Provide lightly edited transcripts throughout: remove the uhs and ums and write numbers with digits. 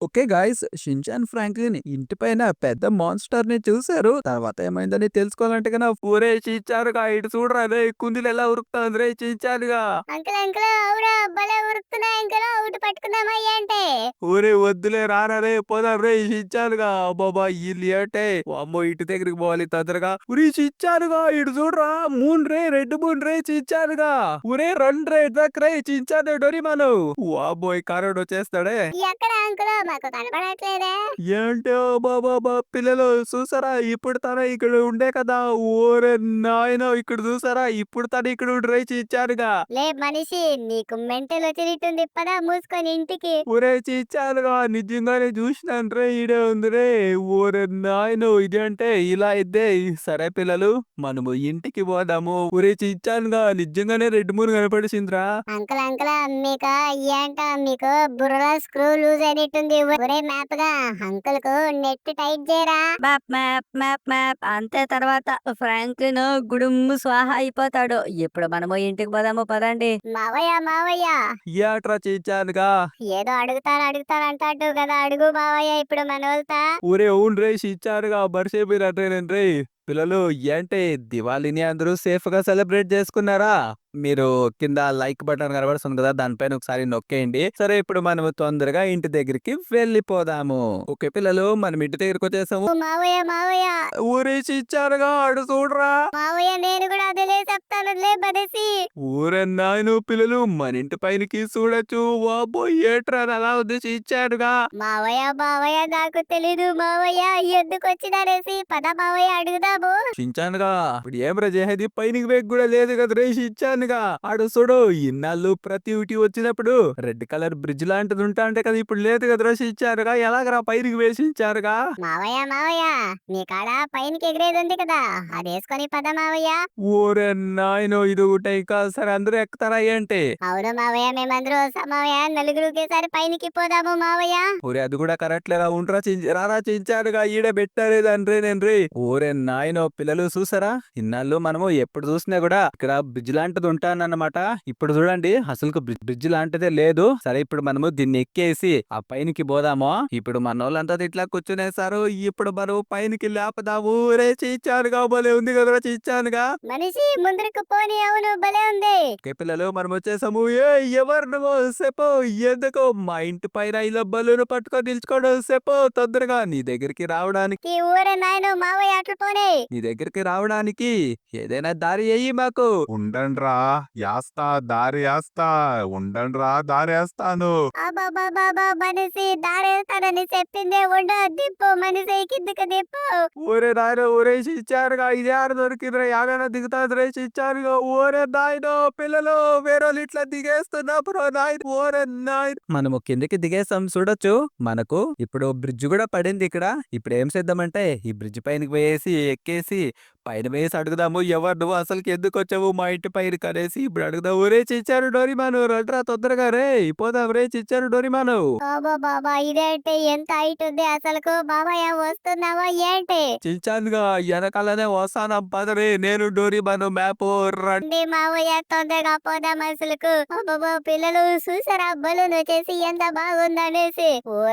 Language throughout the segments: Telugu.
ఓకే గాయ్స్, షిన్‌చాన్ ఫ్రాంక్లిన్ ఇంటి పైన పెద్ద మాన్స్టర్‌ని చూసారు. తర్వాత ఏమైందని తెలుసుకోవాలంటే ఒరేయ్ షిన్‌చాన్‌గా ఇటు చూడురా రేయ్, కుందేలు ఎలా ఉరుకుతాంది రేయ్ షిన్‌చాన్‌గా. అంకుల్ అంకుల్ అవురా భలే ఉరుకుతున్నాయి అంకుల్ ఒకటి పట్టుకుందామా ఏంటి? ఒరేయ్ వద్దులే రారా రేయ్ పోదాం రేయ్ షిన్‌చాన్‌గా. అబ్బబ్బా! ఈళ్ళు ఏంటే వామ్మో ఇంటి దగ్గరికి పోవాలి తొందరగా. ఒరేయ్ షిన్‌చాన్‌గా ఇటు చూడురా, మూన్ రే రెడ్ మూన్ రే షిన్‌చాన్‌గా. ఒరేయ్ రండి రే ఇటుదక్క రేయ్ షిన్‌చాన్ డోరేమాను. వామ్మో ఈ కరోడొచ్చేస్తాడే. ఎక్కడ అంకుల్ మాకు కనపడట్లేదే? ఏంటో బాబా పిల్లలు చూసారా, ఇప్పుడు తను ఇక్కడ ఉండే కదా. ఓరే నాయనో ఇక్కడ చూసారా, ఇప్పుడు తను ఇక్కడ డ్రై ఇచ్చారుగా. లే మనిషి నీకు మెంటల్ వచ్చినట్టుంది పదా మూసుకొని ఇంటికి. ఒరే చిచ్చానుగా నిజంగానే చూసినాను రే, ఈడే ఉంది రే. ఓరే నాయనో ఇదేంటే ఇలా అయితే. సరే పిల్లలు, మనము ఇంటికి పోదాము. ఒరే చిచ్చానుగా నిజంగానే రెడ్ మూన్ కనపడిసిందిరా. అంకుల్ అంకుల్ మీకు ఏంటో మీకు బుర్రలో స్క్రూ లూజ్ అయినట్టుంది. ఒరే మ్యాప్ గా అంకుల్ కు నెట్ టైట్ చేయరా. మ్యాప్ మ్యాప్ మ్యాప్ మ్యాప్ అంతే. తర్వాత ఫ్రాంక్లిన్ గుడుంబు స్వాహ అయిపోతాడు. ఇప్పుడు మనము ఇంటికి పోదాము పదండి. మావయ్య మావయ్య ఏట్రా చిచ్చానుగా. ఏదో అడుగుతానంటాడు కదా, అడుగు మావయ్య ఇప్పుడు మనోల్తా. ఊరే అవును రే ఇచ్చారుగా మర్చిపోయినట్రేనండి. పిల్లలు ఏంటి దివాళీని అందరూ సేఫ్ గా సెలబ్రేట్ చేసుకున్నారా? మీరు కింద లైక్ బటన్ కనబడుతుంది కదా, దానిపైన ఒకసారి నొక్కేయండి. సరే ఇప్పుడు మనం తొందరగా ఇంటి దగ్గరికి వెళ్ళిపోదాము. ఓకే పిల్లలు, మనం ఇంటి దగ్గరికి వచ్చేసాము. మావయ్య మావయ్య ఊరేసి ఇచ్చారుగా అడు చూడరా. మావయ్య నేను కూడా అదిలే చెప్తాను లే బదేసి. ఊరే నాయను పిల్లలు మన ఇంటి పైనకి చూడొచ్చు. వాబో ఏట్రా అలా ఉద్దేశి ఇచ్చారుగా. మావయ్య మావయ్య నాకు తెలీదు మావయ్య ఎందుకు వచ్చినారేసి పద మావయ్య అడుగుదాము. చించానుగా ఇప్పుడు ఏం చేసేది, పైనకి వేగ్ కూడా లేదు కదా రేసి ఇచ్చానుగా. ఆడు చూడు ఇన్నాళ్ళు ప్రతి ఊటి వచ్చినప్పుడు రెడ్ కలర్ బ్రిడ్జ్ లాంటిది ఉంటా అంటే కదా, ఇప్పుడు లేదు కదా రేసి ఇచ్చారుగా. ఎలాగరా పైనకి వేసి ఇచ్చారుగా. మావయ్య మావయ్య నీ కాడ పైనకి ఎగిరేది ఉంది కదా, అది వేసుకొని పద మావయ్య. ఓరే నాయనో ఇది ఒకటే ఇంకా. సరే అందరూ ఎక్కుతారా ఏంటి? అవును మావయ్య మేమందరూ వస్తాం మావయ్య, నలుగురు ఒకేసారి పైనకి పోదాము మావయ్య. ఓరే అది కూడా కరెక్ట్ లేరా, ఉంటరా రారా చించారుగా ఈడే పెట్టారే దాని రే. ఓరే నాయనో పిల్లలు చూసారా, ఇన్నాళ్ళు మనము ఎప్పుడు చూసినా కూడా ఇక్కడ బ్రిడ్జ్ లాంటిది ఉంటానన్నమాట. ఇప్పుడు చూడండి అసలు బ్రిడ్జ్ లాంటిదే లేదు. సరే ఇప్పుడు మనము దీన్ని ఎక్కేసి ఆ పైనకి పోదాము. ఇప్పుడు మన వాళ్ళంతా ఇట్లా కూర్చునేసారు. ఇప్పుడు మనం పైనకి లేపదాము. రే చించానుగా భలే ఉంది కదరా చించానుగా. మనిషి ముందరకు పోని, అవును భలే ఉంది. ఓకే పిల్లలు మనం వచ్చేసాము. ఏ ఎవరు నువ్వు చెప్పు, ఎందుకు మా ఇంటి పైన ఇలా బలూను పట్టుకొని నిల్చుకోవడం చెప్పు తొందరగా. నీ దగ్గరికి రావడానికి ఈ ఊరే నాయన మావయ్య అట్లు పోనీ. నీ దగ్గరికి రావడానికి ఏదైనా దారి అయ్యి మాకు. ఉండండ్రా యాస్తా దారి యాస్తా. ఉండండ్రా దారి వేస్తాను. అబాబాబాబా మనిషి దారేస్తానని చెప్పిందే ఉండు, దిప్పు మనిషి కిందకి దిప్పు. ఊరే నాయన ఊరేసి ఇచ్చారుగా. ఇది ఆడ దొరికిందిరా, యాడైనా దిగుతాది రేసి ఇచ్చారుగా. ఓరే నాయనో పిల్లలు, వేరే ఇట్లా దిగేస్తున్నప్పుడు నాయన. ఓరే నాయన మనము కిందకి దిగేసాం చూడొచ్చు. మనకు ఇప్పుడు బ్రిడ్జ్ కూడా పడింది ఇక్కడ. ఇప్పుడు ఏం చేద్దామంటే ఈ బ్రిడ్జ్ పైనకి పోయేసి ఎక్కేసి పైన వేసి అడుగుదాము. ఎవరు నువ్వు అసలుకి ఎందుకు వచ్చావు మా ఇంటి పైన కనేసి ఇప్పుడు అడుగుదాం. ఒరే చిచ్చారు డోరిమాను రండ్రా తొందరగా రే, పోదాం రే చిచ్చారు డోరిమాను. బాబా ఇదేంటి ఎంత హైట్ ఉంది అసలుకు, బాబాయ్ వస్తున్నావా ఏంటి? చిచ్చానుగా వెనకాలనే వస్తాను పదరే, నేను డోరిమాను మ్యాప్ రండి. రండి మావయ్య తొందరగా పోదాం అసలుకు. అబ్బబ్బా పిల్లలు చూసారా బలూన్ వచ్చేసి ఎంత బాగుందనేసి.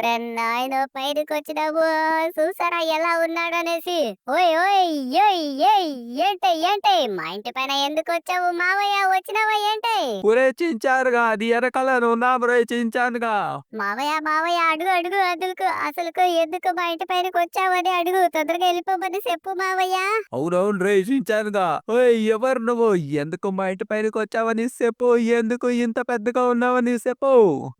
నాయన పైకి వచ్చినావు, చూసారా ఎలా ఉన్నాడనేసి. ఓయ్ ఓయ్ ఏయ్ ఏయ్ ఏంటి మా ఇంటి పైన ఎందుకు వచ్చావు మావయ్య, వచ్చినావా ఏంటి? ఒరే చించారుగా అది వెనకాలను ఉన్నాం రే చించానుగా. మావయ్య అడుగు అడుగు అసలుకు ఎందుకు మా ఇంటి పైనకి వచ్చావని అడుగు, తొందరగా వెళ్ళిపోమని చెప్పు మావయ్య. అవునవును రే చించానుగా. ఓయ్ ఎవరు నువ్వు, ఎందుకు మా ఇంటి పైనకి వచ్చావని చెప్పు, ఎందుకు ఇంత పెద్దగా ఉన్నావని చెప్పు.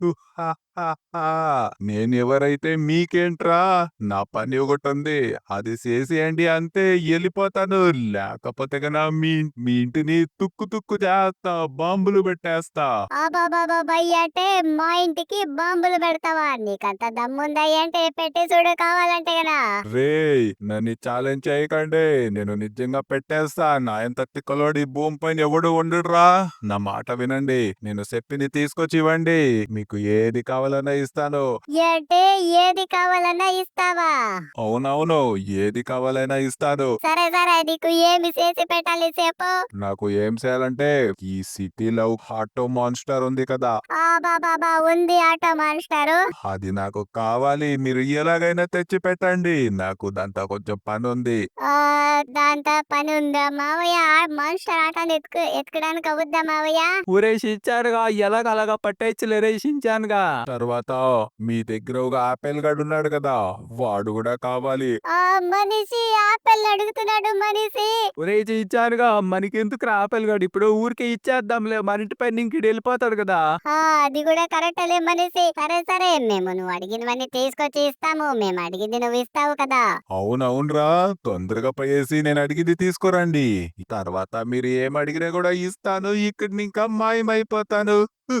నేను ఎవరైతే మీకేంట్రా, నా పని ఒకటి ఉంది, అది చేసేయండి అంతే వెళ్ళిపోతాను. లేకపోతే కన్నా మీ మీ ఇంటిని తుక్కు తుక్కు చేస్తా, బాంబులు పెట్టేస్తా. అంటే మా ఇంటికి బాంబులు పెడతావా? నీకంత దమ్ముందా ఏంటి? పెట్టి చూడు కావాలంటే గనా. రేయ్ నన్ను ఛాలెంజ్ చేయకండి, నేను నిజంగా పెట్టేస్తా. నా ఎంత తిక్కలోడి భూమి పైన ఎవడు ఉండడురా. నా మాట వినండి, నేను చెప్పింది తీసుకొచ్చి ఇవ్వండి. మీకు ఏది కావాలి కావాలన్నా ఇస్తాను. అంటే ఏది కావాలన్నా ఇస్తావా? అవునవును, ఏది కావాలైనా ఇస్తాను. సరే సరే, నీకు ఏమి చేసి పెట్టాలి చెప్పు. నాకు ఏం చేయాలంటే ఈ సిటీలో ఆటో మాన్స్టర్ ఉంది కదా, బాబా ఉంది ఆటో మాస్టారు. అది నాకు కావాలి. మీరు ఎలాగైనా తెచ్చి పెట్టండి. నాకు దాంతో కొంచెం పని ఉంది. దాంతో పని ఉందా మావయ్య? మాస్టర్ ఆటోని ఎత్తుకడానికి అవుద్దా మావయ్య? ఊరే షించానుగా ఎలాగలాగా పట్టేయచ్చులేరే షించానుగా. తర్వాత మీ దగ్గర ఒక ఆపిల్ గడు ఉన్నాడు కదా, వాడు కూడా కావాలి. మనిషి ఆపిల్ అడుగుతున్నాడు మనిషి. ఒరే ఇచ్చానుగా మనకెందుకు ఆపిల్ గాడు ఇప్పుడు ఊరికే ఇచ్చేద్దాంలే, మన ఇంటి పైన ఇంక వెళ్ళిపోతాడు కదా. అది కూడా కరెక్టలే మనిషి. సరే సరే, మేము నువ్వు అడిగినవన్నీ తీసుకొచ్చి ఇస్తాము. మేము అడిగింది నువ్వు ఇస్తావు కదా. అవునవునరా, తొందరగా పోయేసి నేను అడిగింది తీసుకురండి. తర్వాత మీరు ఏం అడిగినా కూడా ఇస్తాను. ఇక్కడ ఇంకా మాయమైపోతాను.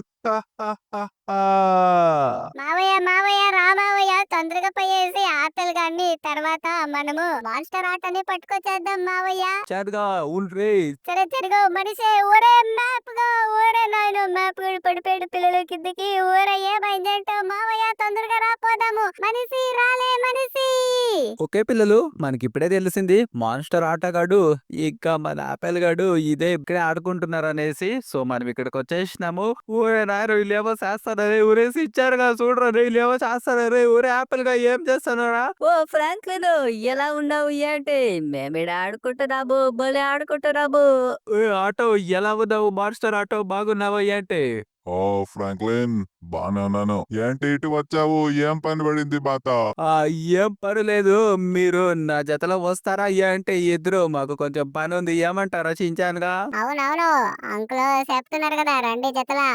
మావయ్య రామావయ్య, తొందరగా పోయేసి ఆపిల్ గాన్ని తర్వాత మనము మాస్టర్ ఆటని పట్టుకొచ్చేద్దాం మావయ్య. చాటుగా ఊన్రే. సరే తిరుగు మనిషి. ఊరే మ్యాప్ గా, ఊరే నాయన మ్యాప్ పడిపోయాడు పిల్లలు కిందకి. ఊరే ఏమైందంటో మావయ్య, తొందరగా రాపోదాము. మనిషి రాలే మనిషి. ఓకే పిల్లలు, మనకి ఇప్పుడే తెలిసింది మాన్స్టర్ ఆటగాడు ఇంకా మన ఆపిల్ గాడు ఇదే ఇక్కడే ఆడుకుంటున్నారు అనేసి. సో మనం ఇక్కడికి వచ్చేసినాము. ఊరే నాయన వీళ్ళేమో చేస్తారే, ఊరేసి ఇచ్చారుగా చూడరా, వీళ్ళేమో చేస్తారే. ఊరే ఆపిల్ గా ఏం చేస్తున్నారా? ఓ ఫ్రాంక్లిన్, ఎలా ఉన్నావు? ఏంటి మేమిడ ఆడుకుంటున్నాము, భలే ఆడుకుంటున్నాము. ఆటో ఎలా ఉన్నావు? మాన్స్టర్ ఆటో బాగున్నావా ఏంటి? ఓ ఫ్రాంక్లిన్, బానే ఉన్నాను. ఏంటి ఇటు వచ్చావు? ఏం పని పడింది బాత? ఏం పర్లేదు, మీరు నా జతలో వస్తారా అంటే ఇద్దరు మాకు కొంచెం పని ఉంది, ఏమంటారా చించానుగా? అవునవును, అంకుల్ చెప్తున్నారు కదా, రండి జతలా.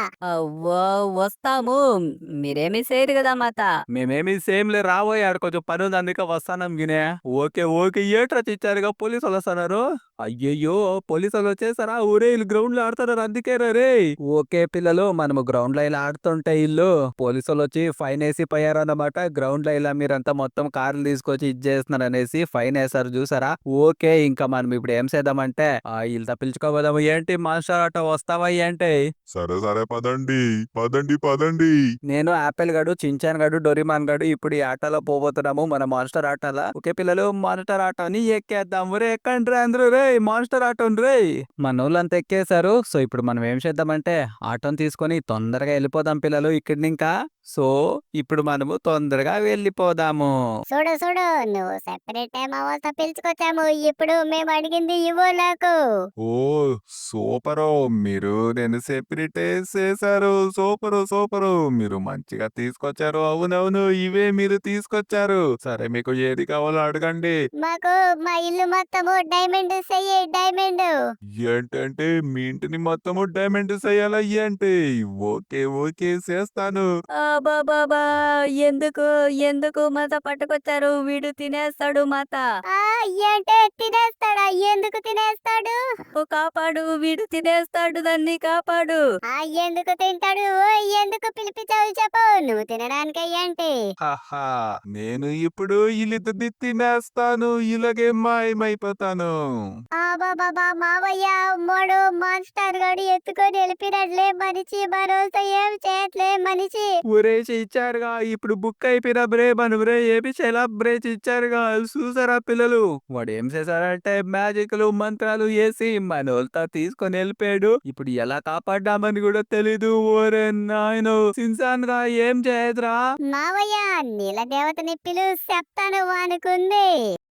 వస్తాము, మీరేమీ చేయరు కదా మాత. మేమేమి సేమ్ లే, రాబోయాడు కొంచెం పని ఉంది అందుకే వస్తానం గినే. ఓకే ఓకే, ఏట్రా చిచ్చారుగా పోలీసు వాళ్ళు వస్తున్నారు. అయ్యయ్యో, పోలీసు వాళ్ళు వచ్చేసారా? ఊరే వీళ్ళు గ్రౌండ్ లో ఆడుతున్నారు అందుకే రే. ఓకే పిల్లలు, మనము గ్రౌండ్ లో ఇలా ఆడుతుంటే ఇల్లు పోలీసు వాళ్ళు వచ్చి ఫైన్ వేసి పోయారన్నమాట. గ్రౌండ్ లో ఇలా మీరంతా మొత్తం కార్లు తీసుకొచ్చి ఇచ్చేస్తున్నారు అనేసి ఫైన్ వేసారు చూసారా. ఓకే, ఇంకా మనం ఇప్పుడు ఏం చేద్దామంటే వీళ్ళతో పిలుచుకోబోదాము. ఏంటి మాస్టర్ ఆటో వస్తావా ఏంటి? సరే సరే, పదండి పదండి పదండి. నేను ఆపిల్ గడు, చించాన్ గడు, డొరిమాన్ గడు ఇప్పుడు ఈ ఆటలో పోబోతున్నాము, మన మాన్స్టర్ ఆటలా. ఓకే పిల్లలు, మాన్స్టర్ ఆటోని ఎక్కేద్దాం. రే ఎక్కండి రే అందరూ, రే మాన్స్టర్ ఆటోని రే. మన వాళ్ళంతా ఎక్కేశారు. సో ఇప్పుడు మనం ఏం చేద్దామంటే ఆటోని తీసుకొని తొందరగా వెళ్ళిపోదాం పిల్లలు ఇక్కడి ఇంకా. సో ఇప్పుడు మనము తొందరగా వెళ్ళిపోదాము. చూడు చూడు, నువ్వు సెపరేట్ టైం అవ్వాలతో పిలుచుకొచ్చాము. ఇప్పుడు మేము అడిగింది ఇవ్వు నాకు. ఓ సూపరు, మీరు నేను సెపరేట్ చేశారు. సూపరు సూపరు, మీరు మంచిగా తీసుకొచ్చారు. అవునవును, ఇవే మీరు తీసుకొచ్చారు. సరే, మీకు ఏది కావాలో అడగండి. మాకు మా ఇల్లు మొత్తము డైమండ్ చెయ్యి, డైమండ్. ఏంటంటే మీ ఇంటిని మొత్తము డైమండ్ చేయాలా ఏంటి? ఓకే ఓకే, చేస్తాను. బాబా, ఎందుకు ఎందుకు మాత పట్టుకొచ్చారు? వీడు తినేస్తాడు మాత. అంటే తినేస్తాడా? ఎందుకు తినేస్తాడు? కాపాడు, వీడు తినేస్తాడు, దాన్ని కాపాడు. ఎందుకు తింటాడు? ఎందుకు పిలిపించావు చెప్పు. నువ్వు తినడానికే ఏంటి? హాహా, నేను ఇప్పుడు ఇల్లిద్దరిని తినేస్తాను. ఇలాగే మాయమైపోతాను. బాబా మావయ్య, మూడు మాస్టర్ గాడు ఎత్తుకొని వెళ్ళిపోయినట్లే మనిషి. మరోసా ఏం చేయట్లే మనిషి. ఊరేసి ఇచ్చారుగా, ఇప్పుడు బుక్ అయిపోయిన బ్రే మనం రే ఏమి సెలబ్రేట్ ఇచ్చారుగా చూసారా పిల్లలు. వాడు ఏం చేశారంటే మ్యాజిక్లు మంత్రాలు వేసి మనోళ్ళతో తీసుకొని వెళ్ళిపోయాడు. ఇప్పుడు ఎలా కాపాడ్డామని కూడా తెలీదు. ఓరే నాయనో, సిన్సాన్ గా ఏం చేయదురా. మావయ్య, నీల దేవతని పిలు, చెప్తాను అనుకుంది.